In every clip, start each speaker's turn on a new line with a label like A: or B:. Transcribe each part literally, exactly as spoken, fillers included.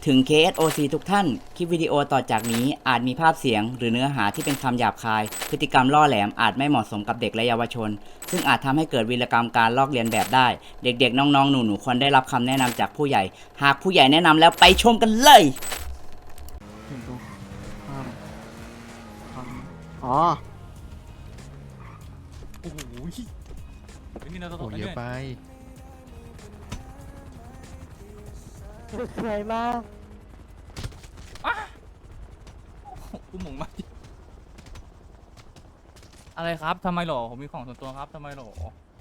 A: ถึง เค เอส โอ ซี ทุกท่าน คลิปวิดีโอต่อจากนี้อาจมีภาพเสียงหรือเนื้อหาที่เป็นคำหยาบคาย พฤติกรรมล่อแหลมอาจไม่เหมาะสมกับเด็กและเยาวชน ซึ่งอาจทำให้เกิดวีรกรรมการลอกเลียนแบบได้ เด็กๆ น้องๆ หนูๆ ควรได้รับคำแนะนำจากผู้ใหญ่ หากผู้ใหญ่แนะนำแล้วไปชมกันเลย
B: หนึ่งตัวข้ามข้ามอ๋อ
C: โอ้โหไอ้นี่เราต้อง
D: โอ้เยอะไป
B: สวยมาก
C: กูหมงมาอะไรครับทำไมหรอผมมีของส่วนตัวครับทำไมหรอ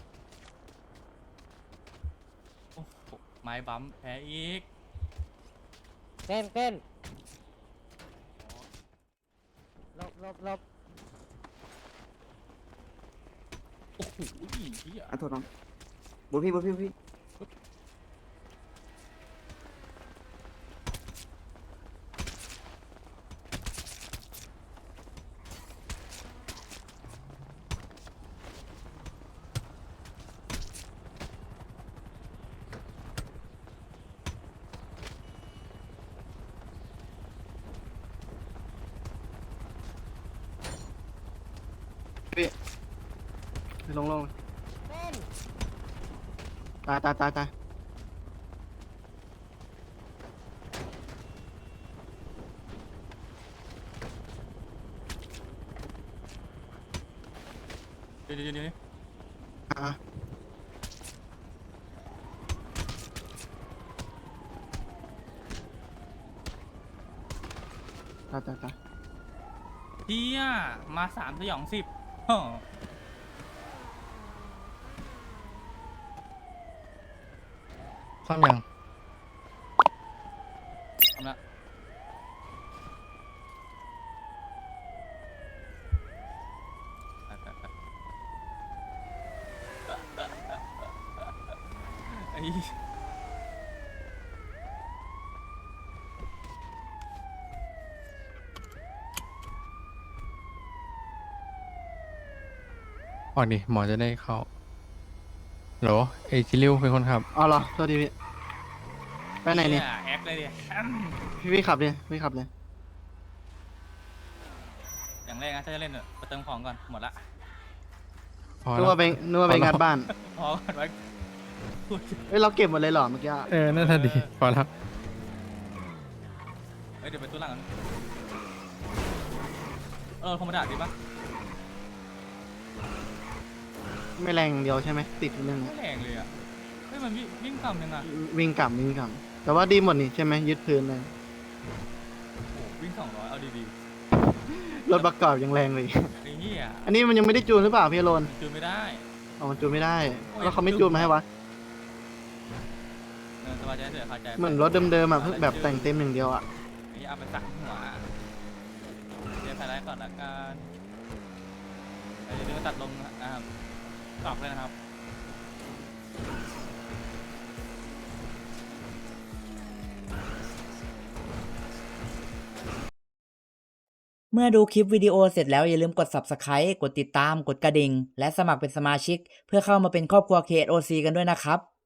C: โอ้โหไม้บัมแพ้อีก
B: เต้นเต้นลบลบลบ
C: โอ้โหเหี้ย
E: อ่ะโทษน้องบุญพี่บุญพี่บุญพี่
B: ลงลงตายตายตายตาย
C: เดี๋ยวเดี๋ยวเดี๋ยว
B: อ่ะตายตายตาย
C: เฮียมาสามสยองสิบฮ้อ
D: ซ่อมยัง
C: ทำละไปไปไปไอ้
D: ออกดิหมอจะได้เข้าโหรอไอจิริวเป็นคนขับ
B: อ๋อเหรอโทษทีพี่ไปไหนเนี่ย
C: แฮกเลยดิอืม
B: พี่พี่ขับเลยพี่ขับเลย
C: อย่างแรกนะถ้าจะเล่นเนี่ยไปเติมของก่อนหมดละ
D: พอ
B: นึก
D: แล้ว
B: ว่าไปนึกว่าไปงานบ้าน
C: พอก่อนไว้พูด
B: เฮ้ยเราเก็บหมดเลยเหรอเมื่อกี้อะ
D: เออน่าจะดีพอแล้ว
C: เอ้ยเดี๋ยวไปตู้หลังกันเออธรรมดาดีปะ
B: ไม่แรงอย่างเดียวใช่ไหมติดนิดนึง
C: ไม่แรงเลยอ่ะเฮ้ยมันวิ่งวิ่งต่ำยังอ่ะ
B: วิ่งกลับวิ่งกลับแต่ว่าดีหมดนี่ใช่ไหมยึดพื้นเลย
C: โอ้โหวิ่งสองร้อยเอาดี
B: รถประกอบยังแรงเลย
C: ๆไอ้เหี้ย
B: อันนี้มันยังไม่ได้จูนหรือเปล่าพี่อโรน
C: จูนไม่ได้
B: อ๋อมันจูนไม่ได้แล้วเขาไม่จูนมาให้วะ
C: เออสบายใจเถอะเข้าใจ
B: เหมือนรถเดิมๆอ่ะเพิ่งแบบแต่งเต็มอย่างเดียวอ่ะ
C: ไอ้เหี้ยเอาไปสักหัวเดี๋ยวไฮไลท์ก่อนละกันเดี๋ยวเดี๋ยวตัดลงนะครับตอบเลยนะครับ
A: เมื่อดูคลิปวิดีโอเสร็จแล้วอย่าลืมกด ซับสไครบ์ กดติดตาม กดกระดิ่ง และสมัครเป็นสมาชิก เพื่อเข้ามาเป็นครอบครัว เค เอส โอ ซี กันด้วยนะครับ